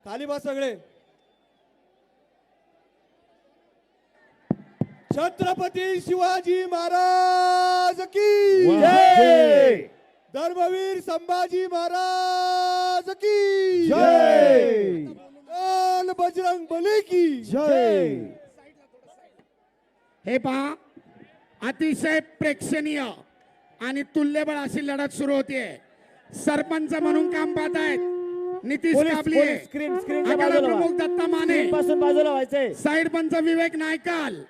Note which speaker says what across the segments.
Speaker 1: खाली बस सगळे. छत्रपती शिवाजी महाराज की
Speaker 2: जय.
Speaker 1: धर्मवीर संभाजी महाराज की
Speaker 2: जय.
Speaker 1: बोल बजरंग बली की
Speaker 2: जय.
Speaker 3: हे पहा, अतिशय प्रेक्षणीय आणि तुल्यबळ अशी लढत सुरू होतीये. सरपंच म्हणून काम पाहत आहेत नितीश काबले,
Speaker 2: स्क्रीन
Speaker 3: आखाडा प्रमुख दत्ता माने,
Speaker 2: पासून बाजूला व्हायचंय.
Speaker 3: साइड पंच विवेक नायकाल.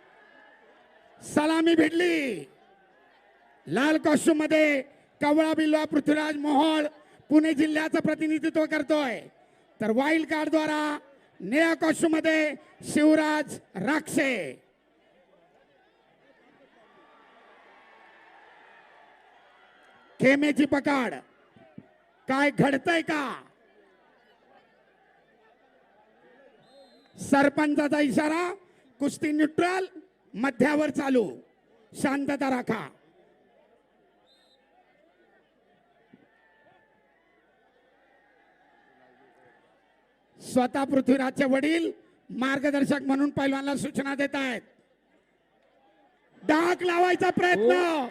Speaker 3: सलामी भिडली. लाल कॉस्ट्यूम मध्ये कवळा बिल्वा पृथ्वीराज मोहोळ पुणे जिल्ह्याचं प्रतिनिधित्व करतोय. तर वाईल्ड कार्ड द्वारा निळ्या कॉस्ट्यूम मध्ये शिवराज राक्षे. खेमेची पकड. काय घडतंय का? सरपंचाचा इशारा. कुस्ती न्यूट्रल, मध्यावर चालू. शांतता राखा. स्वतः पृथ्वीराजचे वडील मार्गदर्शक म्हणून पैलवानला सूचना देत आहेत. डाक लावायचा प्रयत्न.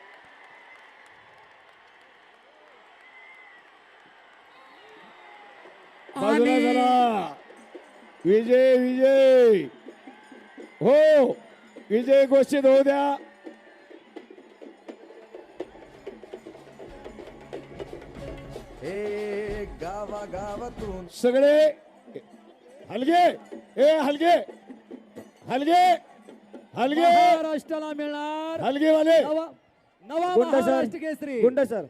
Speaker 2: बाजूला झाला. विजय विजय हो. विजय घोषित होऊ द्या.
Speaker 4: हे गावागावातून
Speaker 2: सगळे हलगे. ए हलगे हलगे हलगे
Speaker 5: महाराष्ट्राला मिळणार
Speaker 2: हलगेवाले.
Speaker 5: नवा
Speaker 2: गुंड
Speaker 5: महाराष्ट्र
Speaker 2: सर
Speaker 5: केसरी.
Speaker 2: गुंड सर.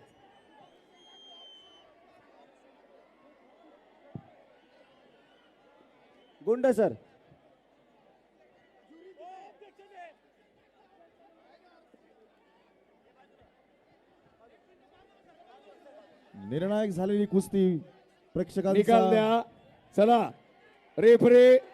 Speaker 2: गुंड सर.
Speaker 1: निर्णायक झालेली कुस्ती
Speaker 2: निकाल
Speaker 1: प्रेक्षकांचा
Speaker 2: द्या. चला रेफरी